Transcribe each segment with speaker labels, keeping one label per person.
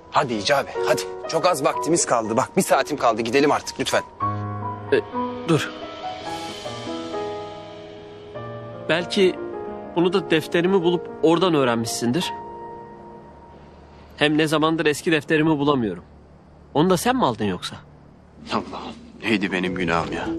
Speaker 1: Hadi Hicabi hadi. Çok az vaktimiz kaldı. Bak 1 saatim kaldı. Gidelim artık lütfen.
Speaker 2: Dur. Belki bunu da defterimi bulup oradan öğrenmişsindir. Hem ne zamandır eski defterimi bulamıyorum. Onu da sen mi aldın yoksa?
Speaker 1: Allah'ım neydi benim günahım ya.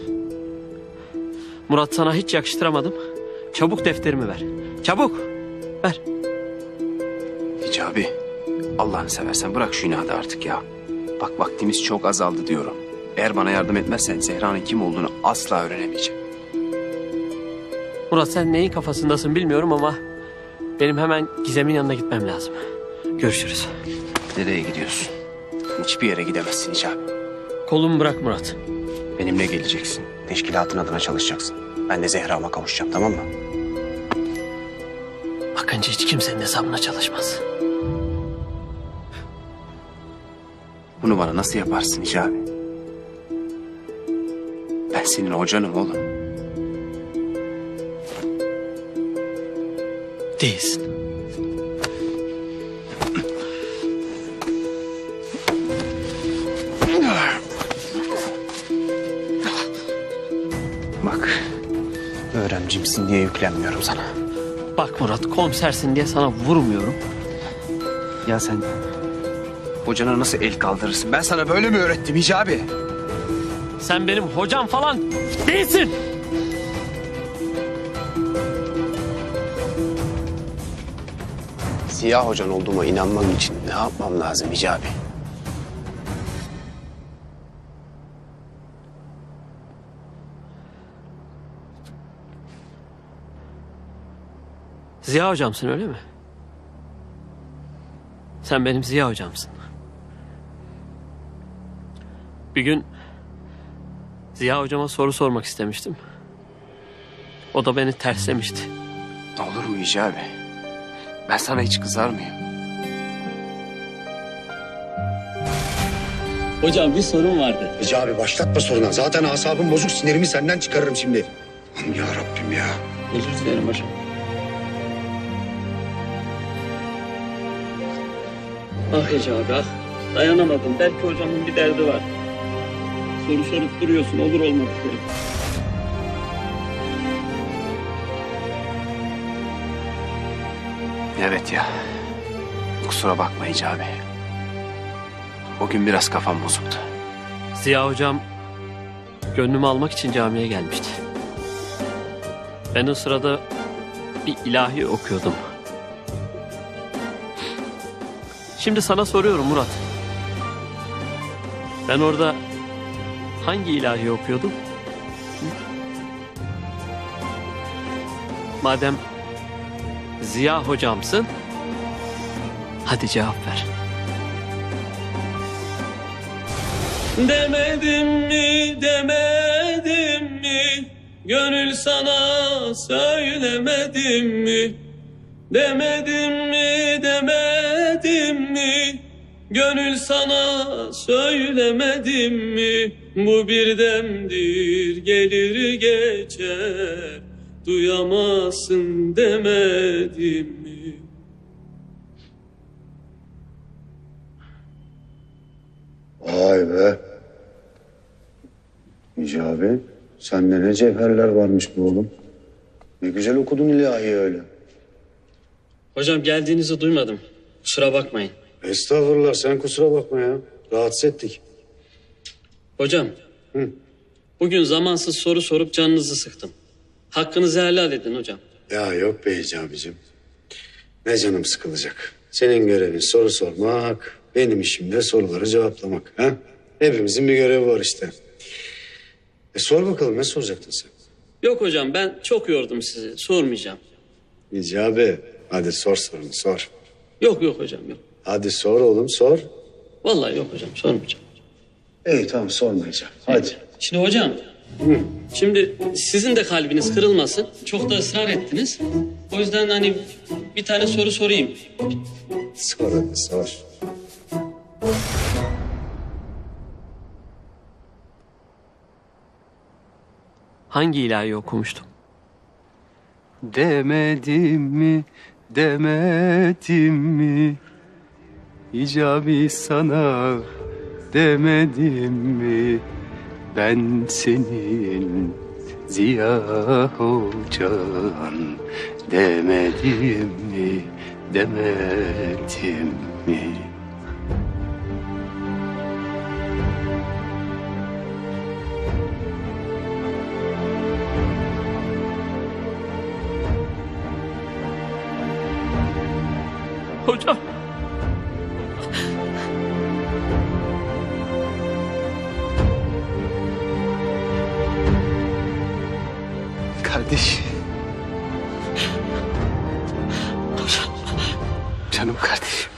Speaker 2: Murat, sana hiç yakıştıramadım. Çabuk defterimi ver. Çabuk. Ver.
Speaker 1: Hicabi Allah'ını seversen bırak şu inadı artık ya. Bak vaktimiz çok azaldı diyorum. Eğer bana yardım etmezsen Zehra'nın kim olduğunu asla öğrenemeyeceğim.
Speaker 2: Murat, sen neyin kafasındasın bilmiyorum ama benim hemen Gizem'in yanına gitmem lazım. Görüşürüz.
Speaker 1: Nereye gidiyorsun? Hiçbir yere gidemezsin Hicabi.
Speaker 2: Kolumu bırak Murat.
Speaker 1: Benimle geleceksin. Teşkilatın adına çalışacaksın. Ben de Zehra'ma kavuşacağım, tamam mı?
Speaker 2: Akıncı hiç kimsenin hesabına çalışmaz.
Speaker 1: Bunu bana nasıl yaparsın Hicabi? Ben senin hocanım oğlum.
Speaker 2: Değilsin.
Speaker 1: Bak, öğrencimsin diye yüklenmiyorum sana.
Speaker 2: Bak Murat, komisersin diye sana vurmuyorum.
Speaker 1: Ya sen hocana nasıl el kaldırırsın? Ben sana böyle mi öğrettim Hicabi?
Speaker 2: Sen benim hocam falan değilsin.
Speaker 1: Siyah hocan olduğuma inanmam için ne yapmam lazım Hicabi?
Speaker 2: Ziya hocamsın, öyle mi? Sen benim Ziya hocamsın. Bir gün Ziya hocama soru sormak istemiştim. O da beni terslemişti.
Speaker 1: Olur mu Hicabi? Ben sana hiç kızar mıyım?
Speaker 2: Hocam bir sorun vardı.
Speaker 3: Hicabi başlatma soruna. Zaten asabım bozuk, sinirimi senden çıkarırım şimdi. Aman ya Rabbim ya.
Speaker 2: Özür dilerim hocam. Ah Hicabi ah. Dayanamadım. Belki hocamın bir derdi var. Soru sorup duruyorsun, olur olmadı şey.
Speaker 1: Evet ya. Kusura bakma Hicabi. O gün biraz kafam bozuktu.
Speaker 2: Ziya hocam gönlümü almak için camiye gelmişti. Ben o sırada bir ilahi okuyordum. Şimdi sana soruyorum Murat. Ben orada hangi ilahi okuyordum? Hı? Madem Ziya hocamsın, hadi cevap ver. Demedim mi, demedim mi? Gönül sana söylemedim mi? Demedim mi, demedim mi? Gönül sana söylemedim mi? Bu bir demdir, gelir geçer. Duyamazsın demedim mi?
Speaker 3: Vay be. Hicabi, sende ne cevherler varmış bu oğlum. Ne güzel okudun ilahi öyle.
Speaker 2: Hocam geldiğinizi duymadım. Kusura bakmayın.
Speaker 3: Estağfurullah, sen kusura bakma ya. Rahatsız ettik.
Speaker 2: Hocam.
Speaker 3: Hı.
Speaker 2: Bugün zamansız soru sorup canınızı sıktım. Hakkınızı helal edin hocam.
Speaker 3: Ya yok be Hicabi'cim. Ne canım sıkılacak. Senin görevin soru sormak, benim işim de soruları cevaplamak. Ha? Hepimizin bir görevi var işte. Sor bakalım, ne soracaktın sen?
Speaker 2: Yok hocam, ben çok yordum sizi. Sormayacağım.
Speaker 3: Hicabi, hadi sor sorunu sor.
Speaker 2: Yok hocam yok.
Speaker 3: Hadi sor oğlum sor.
Speaker 2: Vallahi yok hocam, sormayacağım.
Speaker 3: İyi tamam, sormayacağım. Hadi.
Speaker 2: Şimdi hocam, şimdi sizin de kalbiniz kırılmasın. Çok da ısrar ettiniz. O yüzden hani bir tane soru sorayım.
Speaker 3: Sor hadi sor.
Speaker 2: Hangi ilahi okumuştum?
Speaker 1: Demedim mi, demedim mi?
Speaker 4: hicabi sana demedim mi? Ben senin Ziya Hocan demedim mi? Demedim mi?
Speaker 2: Hocam.
Speaker 4: Kardeş. Canım kardeşim.